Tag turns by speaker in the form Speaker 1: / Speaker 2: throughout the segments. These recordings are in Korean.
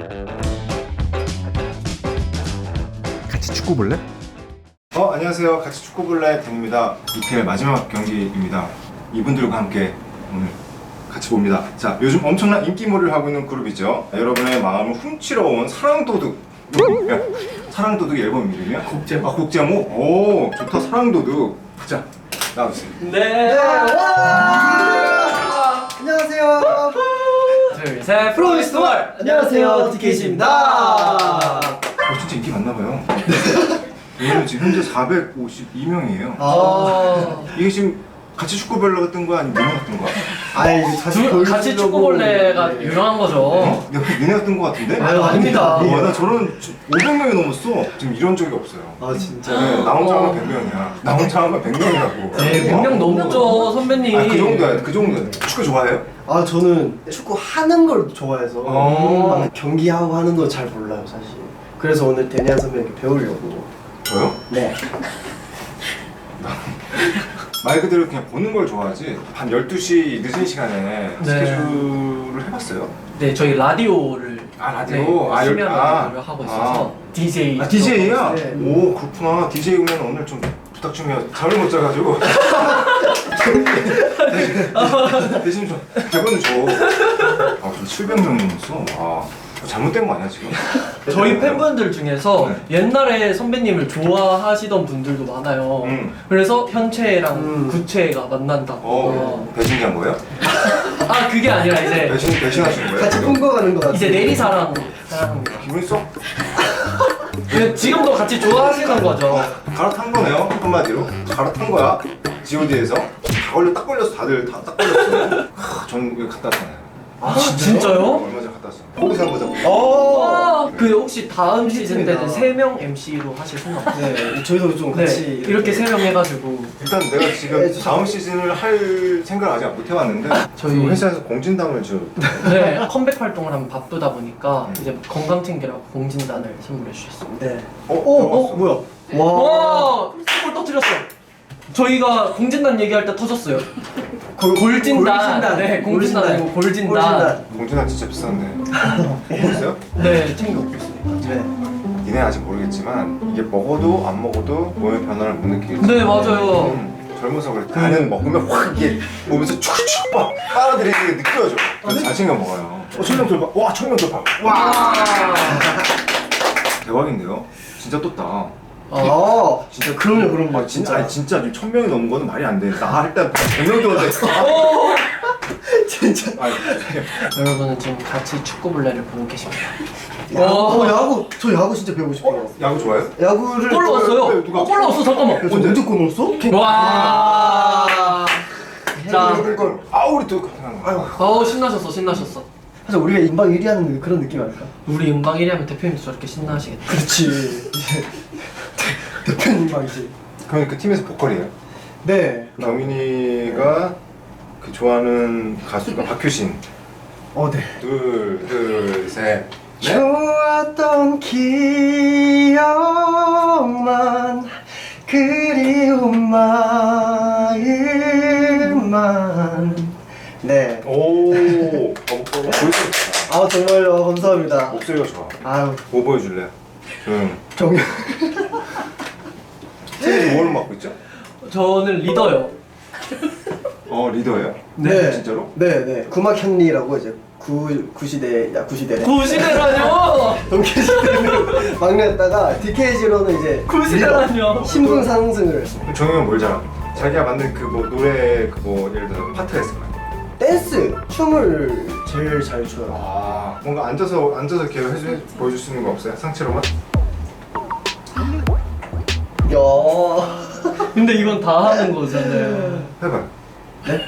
Speaker 1: 같이 축구 볼래? 안녕하세요. 같이 축구 볼래 댄입니다. EPL 마지막 경기입니다. 이분들과 함께 오늘 같이 봅니다. 자, 요즘 엄청난 인기몰이를 하고 있는 그룹이죠. 여러분의 마음을 훔치러 온 사랑도둑. 사랑도둑 앨범 이름이야?
Speaker 2: 곡제목.
Speaker 1: 곡제목? 오, 좋다. 사랑도둑. 자, 나와주세요.
Speaker 2: 네.
Speaker 3: 안녕하세요.
Speaker 2: 둘, 셋. 프로미스월. 안녕하세요. DKC입니다.
Speaker 1: 진짜 인기 많나봐요. 오늘 지금 현재 452명이에요. 이게 지금 같이 축구별로 뜬 거야? 아니면 니네가 뜬 거야?
Speaker 3: 아이
Speaker 2: 같이 축구벌레가 유명한 거죠.
Speaker 1: 니네가 뜬 거 같은데?
Speaker 2: 아유, 아닙니다.
Speaker 1: 나 저런 500명이 넘었어. 지금 이런 적이 없어요.
Speaker 3: 아 진짜.
Speaker 1: 네, 나 혼자 하면 100명이야. 나 혼자 하면 100명이라고.
Speaker 2: 네, 100명 넘죠, 선배님.
Speaker 1: 그 정도야. 그 정도야. 축구 좋아해요?
Speaker 3: 아 저는 축구 하는 걸 좋아해서 경기하고 하는 거 잘 몰라요 사실. 그래서 오늘 데니안 선배님께 배우려고.
Speaker 1: 저요?
Speaker 3: 네.
Speaker 1: 말 그대로 그냥 보는 걸 좋아하지. 한 12시 늦은 시간에
Speaker 2: 네.
Speaker 1: 스케줄을 해봤어요.
Speaker 2: 네, 저희 라디오를
Speaker 1: 라디오?
Speaker 2: 네, 심야 라디오를 하고 있어서 DJ.
Speaker 1: DJ야?
Speaker 3: 네.
Speaker 1: 오, 그렇구나. DJ 그러면 오늘 좀 부탁 좀 해요. 잠을 못 자가지고. 대신 좀 대본을 줘. 그럼 700명 넘었어. 와, 잘못된 거 아니야 지금?
Speaker 2: 저희 팬분들 중에서
Speaker 1: 네.
Speaker 2: 옛날에 선배님을 좋아하시던 분들도 많아요. 그래서 현채랑 구채가 만난다고.
Speaker 1: 배신한 거예요?
Speaker 2: 아, 그게 아니라 이제
Speaker 1: 배신하신 거예요?
Speaker 3: 같이 꿈꿔가는 거 같아요.
Speaker 2: 이제 내리사랑 사랑합니다.
Speaker 1: 기분이 썩
Speaker 2: 지금도 같이 좋아하시는 거죠.
Speaker 1: 갈아탄 거네요. 한마디로 갈아탄 거야. G.O.D에서 딱 걸렸어. 다들 딱 걸렸어. 전 이거 갖다 놨잖아요.
Speaker 2: 아, 진짜요?
Speaker 1: 얼마 전에 갖다 왔어. 거기서 한번 보자.
Speaker 2: 와, 그 혹시 다음 시즌 때는 3명 MC로 하실 생각 없어요?
Speaker 3: 네. 저희도 좀
Speaker 2: 네,
Speaker 3: 같이
Speaker 2: 이렇게 3명 해가지고.
Speaker 1: 일단 내가 지금 다음 시즌을 할 생각을 아직 못 해봤는데
Speaker 2: 저희-
Speaker 1: 그 회사에서 공진담을 줘.
Speaker 2: 네, 컴백 활동을 하면 바쁘다 보니까 이제 건강 챙기라고 공진단을 선물해 주셨습니다.
Speaker 3: 네.
Speaker 1: 뭐야?
Speaker 2: 와, 골 터뜨렸어. 저희가 공진단 얘기할 때 터졌어요. 골진단. 네, 공진단 아니고 골진단.
Speaker 1: 공진담 진짜 비싼데. 먹었어요?
Speaker 2: 네, 챙겨 먹겠습니다.
Speaker 3: 네.
Speaker 1: 니네 아직 모르겠지만 이게 먹어도 안 먹어도 몸의 변화를 못 느끼겠지.
Speaker 2: 네, 맞아요.
Speaker 1: 젊어서 그래. 나는 먹으면 확 이게 몸에서 축축 막 빨아들이는 게 느껴져. 그래서 잘 챙겨 먹어요. 청명 돌파. 와, 청명 돌파. 와. 대박인데요? 진짜 떴다.
Speaker 3: 진짜 그럼요.
Speaker 1: 진짜 아니 진짜 1000명이 넘은 거는 말이 안 돼. 나 할 때 100명이 넘는데.
Speaker 3: 진짜.
Speaker 1: 아니,
Speaker 2: 여러분은 지금 같이 축구볼레를 보고 계십니다.
Speaker 3: 야구. 저 야구 진짜 배우고 싶어요.
Speaker 1: 야구 좋아해요?
Speaker 3: 야구를.
Speaker 2: 골 넣었어요.
Speaker 1: 누가?
Speaker 2: 골 넣었어. 잠깐만.
Speaker 3: 저 언제 골 넣었어?
Speaker 2: 와. 자,
Speaker 1: 이걸 우리 또
Speaker 2: 신나셨어.
Speaker 3: 사실 우리가 인방 1위 하는 그런 느낌 아닐까?
Speaker 2: 우리 음방 1위 하면 대표님도 저렇게 신나하시겠다.
Speaker 3: 그렇지. 이제 대표님방이지.
Speaker 1: 그럼 그 팀에서 보컬이에요?
Speaker 3: 네.
Speaker 1: 경민이가 그 좋아하는 가수가 박효신.
Speaker 3: 네.
Speaker 1: 둘, 셋. 넷.
Speaker 3: 좋았던 기억만 그리운 마음만. 네.
Speaker 1: 오. 보여줘.
Speaker 3: 정말요. 감사합니다.
Speaker 1: 목소리가 좋아.
Speaker 3: 아유,
Speaker 1: 뭐 보여줄래?
Speaker 3: 정말.
Speaker 1: 팀이 뭘 맡고 있죠?
Speaker 2: 저는 리더요.
Speaker 1: 리더예요?
Speaker 3: 네.
Speaker 1: 진짜로?
Speaker 3: 네. 구막현리라고 이제 구시대네.
Speaker 2: 구시대라뇨.
Speaker 3: 동계시대는 막내였다가 DKG로는 이제
Speaker 2: 구시대라뇨.
Speaker 3: 신분 상승을.
Speaker 1: 정영은 뭘 잘함? 자기가 만든 그 뭐 노래 그 뭐 예를 들어서 파트가 있을 거 아니야?
Speaker 3: 댄스, 춤을 제일 잘 춰요.
Speaker 1: 뭔가 앉아서 이렇게 보여줄 수 있는 거 없어요? 상체로만?
Speaker 3: 야.
Speaker 2: 근데 이건 다 하는 거잖아요.
Speaker 1: 해봐요.
Speaker 3: 네?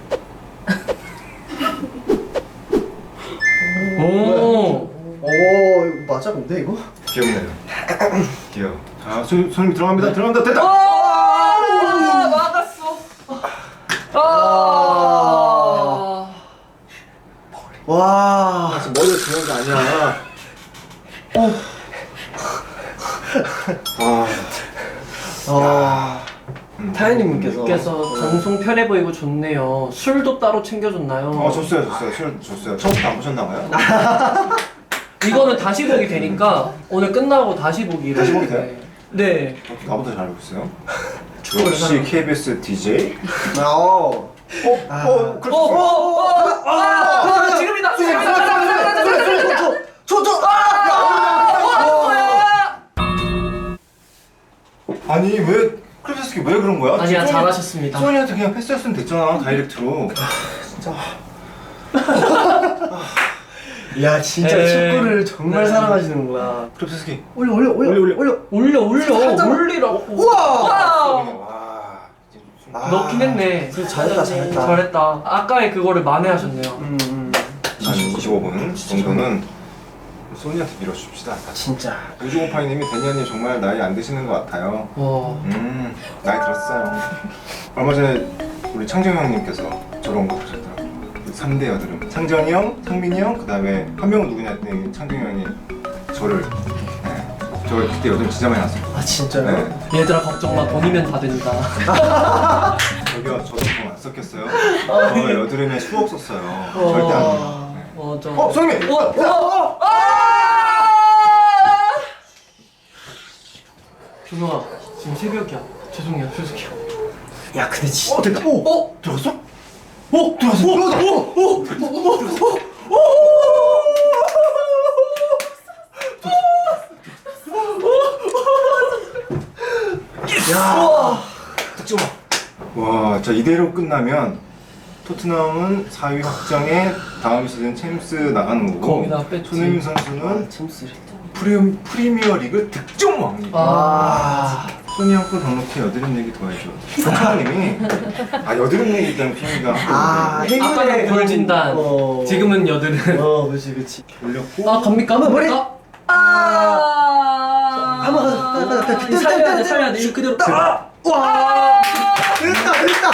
Speaker 2: 오.
Speaker 3: 이거 맞아 근데 이거?
Speaker 1: 귀엽네요. 귀여워. 자, 손님 들어갑니다. 됐다!
Speaker 2: 막았어.
Speaker 3: 와.
Speaker 1: 지금 머리가 중요한 게 아니야.
Speaker 3: 타이님께서
Speaker 2: 방송 편해 보이고 좋네요. 술도 따로 챙겨줬나요?
Speaker 1: 줬어요. 술 줬어요. 처음부터 안 보셨나 봐요?
Speaker 2: 이거는 다시 보기 되니까 오늘 끝나고 다시 보기로.
Speaker 1: 다시 보기 돼요?
Speaker 2: 네.
Speaker 1: 나보다 잘 알고 있어요. 역시 KBS DJ.
Speaker 2: 지금이다.
Speaker 1: 아니 왜 클래스키 왜 그런 거야?
Speaker 2: 아니야, 잘하셨습니다.
Speaker 1: 소니한테 그냥 패스했으면 됐잖아 다이렉트로.
Speaker 3: 야 진짜
Speaker 2: 에이.
Speaker 3: 축구를 정말
Speaker 2: 네.
Speaker 3: 사랑하시는구나.
Speaker 1: 클래스키.
Speaker 3: 올려.
Speaker 2: 올리라고.
Speaker 3: 우와.
Speaker 1: 와.
Speaker 2: 넣긴 했네.
Speaker 3: 잘했다.
Speaker 2: 잘했다. 아까의 그거를 만회하셨네요.
Speaker 1: 한 25분 정도는 소니한테 밀어줍시다.
Speaker 3: 진짜.
Speaker 1: 우주곰팡이님이 데니아님 정말 나이 안 드시는 것 같아요.
Speaker 2: 와.
Speaker 1: 나이 들었어요. 얼마 전에 우리 창정 형님께서 저런 거 보셨더라고요. 3대 여드름. 창정이 형, 상민이 형, 그 다음에 한 명은 누구냐 했더니 창정 형이 저를. 네. 저 그때 여드름 진짜 많이 났어요.
Speaker 3: 아 진짜요?
Speaker 1: 네.
Speaker 2: 얘들아 걱정 마. 돈이면 다 된다.
Speaker 1: 저기요, 저도 돈 안 썼겠어요? 저 여드름에 수억 썼어요. 절대 안 돼요. 네.
Speaker 2: 맞아.
Speaker 1: 성민!
Speaker 2: 준호아, 지금 새벽이야. 죄송해요.
Speaker 3: 야 근데 진짜. 됐다.
Speaker 1: 들어갔어? 득점! 와, 자 이대로 끝나면 토트넘은 4위 확정에 다음 시즌 챔스 나가는 거고
Speaker 2: 거기다 뺐지.
Speaker 1: 손흥민 선수는
Speaker 3: 챔스를.
Speaker 1: 프리미어리그 득점왕입니다. 소니 형거 덕록해 여드름 얘기 더 해줘. 조카님이 여드름 얘기 때문에 피미가
Speaker 2: 아까는 골진단. 지금은 여드름.
Speaker 3: 그렇지.
Speaker 1: 올렸고
Speaker 2: 갑니까?
Speaker 3: 머리!
Speaker 2: 갑니까?
Speaker 3: 한번 가자.
Speaker 2: 살려야 돼. 이거 그대로.
Speaker 3: 와! 됐다.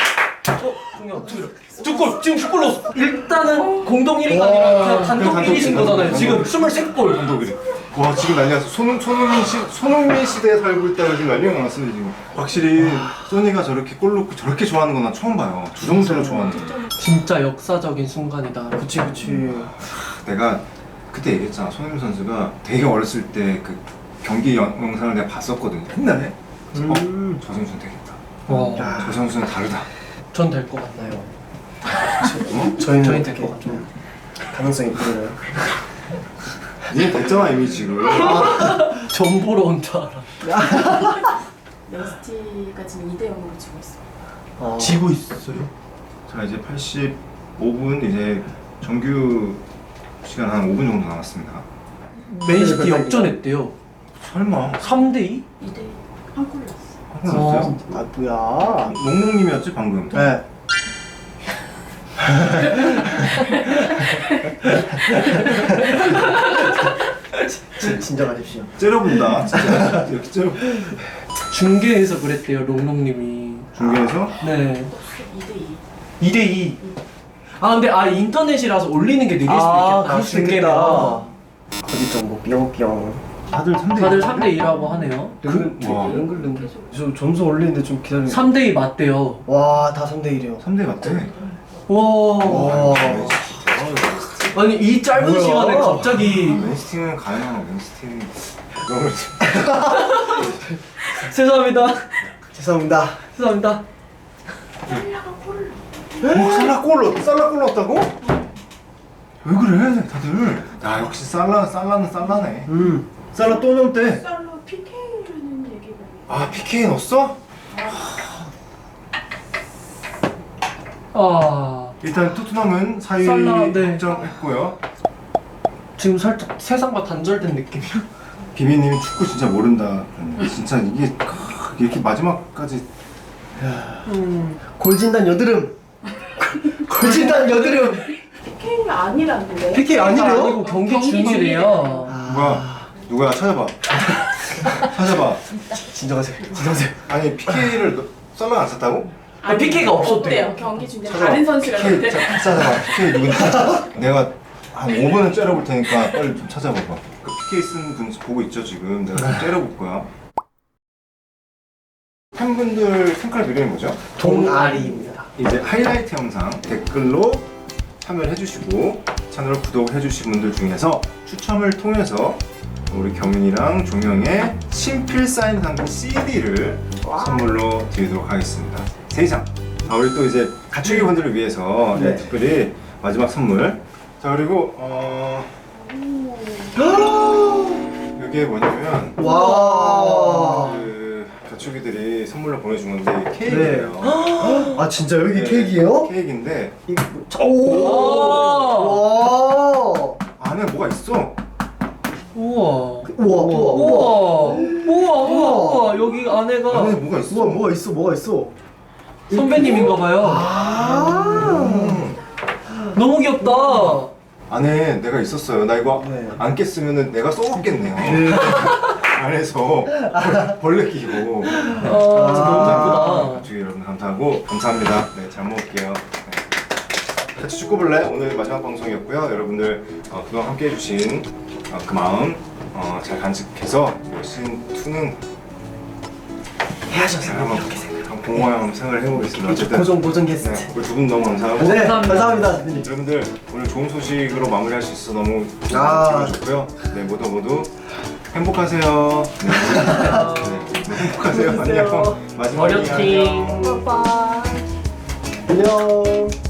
Speaker 2: 두 골! 지금 2골 넣었어! 일단은 공동 1위가 아니라 그냥 단독 1위신 거잖아요. 지금 23골!
Speaker 1: 감독이래. 와 지금 난리 났어. 손흥민 시대에 살고 있다고 지금 난리가 났어요 지금. 확실히 소니가 저렇게 골 넣고 저렇게 좋아하는 건 나 처음 봐요. 저 정도로 좋아하는 거.
Speaker 2: 진짜 역사적인 순간이다.
Speaker 3: 그치.
Speaker 1: 내가 그때 얘기했잖아. 손흥민 선수가 되게 어렸을 때 그 경기 영상을 내가 봤었거든. 옛날에. 저 선수는 되겠다.
Speaker 2: 와.
Speaker 1: 저 선수는 다르다.
Speaker 2: 전 될 것 같나요?
Speaker 3: 저희는
Speaker 2: 될 것 같죠.
Speaker 3: 가능성이 보여요.
Speaker 1: 이제 됐잖아 이미 지금.
Speaker 2: 전 보러 온 줄 알아.
Speaker 4: 맨시티가 지금 2대 0으로 지고 있어요.
Speaker 2: 지고 있어요?
Speaker 1: 자 이제 85분 이제 정규 시간 한 5분 정도 남았습니다.
Speaker 2: 맨시티 역전했대요.
Speaker 1: 설마
Speaker 2: 3대2?
Speaker 4: 2대 1. 한 골 넣었어.
Speaker 1: 한번 났어요?
Speaker 3: 아 뭐야?
Speaker 1: 농농님이었지 방금.
Speaker 3: 네. 진정하십시오.
Speaker 1: 째려본다. 진짜 이렇게 째려.
Speaker 2: 중계에서 그랬대요, 롱롱님이.
Speaker 1: 중계에서
Speaker 2: 네.
Speaker 4: 2대 2.
Speaker 2: 2대2. 근데 인터넷이라서 올리는 게 느릴 수도 있겠다.
Speaker 3: 그럴 수도 있겠다. 거기 좀뭐 뿅뿅.
Speaker 1: 다들 3대
Speaker 2: 다들 3대2라고 하네요.
Speaker 1: 와.
Speaker 3: 능글능글. 저 점수 올리는데 좀 기다려.
Speaker 2: 3대2 맞대요.
Speaker 3: 와, 다 3대 1이요.
Speaker 1: 3대 맞대.
Speaker 2: 와. 아니 이 짧은
Speaker 3: 뭐야?
Speaker 2: 시간에 갑자기
Speaker 1: 맨시티는 가요. 맨시티는 너무
Speaker 2: 죄송합니다.
Speaker 3: 죄송합니다.
Speaker 2: 죄송합니다.
Speaker 1: 살라 골 넣었다고? 왜 그래 다들? 야 역시 살라는 살라네. 살라 또 넣었대.
Speaker 4: 살로 PK라는 얘기가
Speaker 1: PK 넣었어? 일단 토트넘은 4위
Speaker 2: 살라, 네.
Speaker 1: 확정했고요.
Speaker 2: 지금 살짝 세상과 단절된 느낌이야.
Speaker 1: 비비님이 축구 진짜 모른다. 진짜 이게 이렇게 마지막까지
Speaker 3: 골진단 여드름. 골진단 여드름.
Speaker 4: PK가 아니라는데.
Speaker 3: PK 아니래요?
Speaker 2: 아니고 경기 중이래요.
Speaker 1: 뭐야 누구야 찾아봐. 찾아봐.
Speaker 3: 진정하세요.
Speaker 1: 아니 PK를 살라가 안 썼다고?
Speaker 2: PK가 없었대요.
Speaker 4: 경기 중에
Speaker 1: 찾아봐.
Speaker 4: 다른 선수가
Speaker 1: PK
Speaker 4: 있는데.
Speaker 1: 찾아봐. PK 누군지. 내가 한 5분은 째려볼 테니까 빨리 좀 찾아봐봐. 그 PK 쓴 분 보고 있죠 지금. 내가 좀 째려볼 거야. 팬분들 생각할 이름이 뭐죠?
Speaker 3: 동아리입니다.
Speaker 1: 이제 하이라이트 영상 댓글로 참여를 해주시고 채널 구독해주신 분들 중에서 추첨을 통해서 우리 경윤이랑 종영의 친필 사인 상품 CD를 선물로 드리도록 하겠습니다. 3장. 우리 또 이제 가축이 분들을 위해서
Speaker 3: 네.
Speaker 1: 특별히 마지막 선물. 자, 그리고 이게 뭐냐면
Speaker 3: 와.
Speaker 1: 그 가축이들이 선물로 보내준 건데 케이크예요.
Speaker 3: 아 진짜 여기
Speaker 1: 네,
Speaker 3: 케이크예요?
Speaker 1: 케이크인데
Speaker 3: 오. 와.
Speaker 1: 안에 뭐가 있어?
Speaker 2: 우와.
Speaker 3: 우와 우와.
Speaker 2: 우와. 여기 안에가
Speaker 1: 안에 뭐가 있어?
Speaker 3: 우와 뭐가 있어?
Speaker 2: 선배님인가봐요.
Speaker 3: 아.
Speaker 2: 너무 귀엽다.
Speaker 1: 안에 내가 있었어요. 나 이거
Speaker 3: 네.
Speaker 1: 안 깼으면 내가 썩었겠네요. 안에서 벌레 끼고.
Speaker 2: 진짜 너무 예쁘다.
Speaker 1: 가축이 여러분 감사합니다. 네, 잘 먹을게요. 네. 같이 축구볼래? 오늘 마지막 방송이었고요. 여러분들 그동안 함께 해주신 그 마음 잘 간직해서 시즌 2는
Speaker 3: 해야죠.
Speaker 1: 한번 공허한 생각을 해보겠습니다. 어쨌든
Speaker 3: 고정 게스트.
Speaker 1: 네, 우리 두 분 너무 감사하고
Speaker 3: 네,
Speaker 2: 감사합니다.
Speaker 3: 감사합니다. 선배님.
Speaker 1: 여러분들 오늘 좋은 소식으로 마무리할 수 있어서 너무
Speaker 3: 아.
Speaker 1: 기분 좋고요. 네, 모두 행복하세요. 네, 행복하세요. 안녕. 마지막에
Speaker 2: 어렵팅.
Speaker 1: 안녕.
Speaker 4: 봐봐.
Speaker 3: 안녕.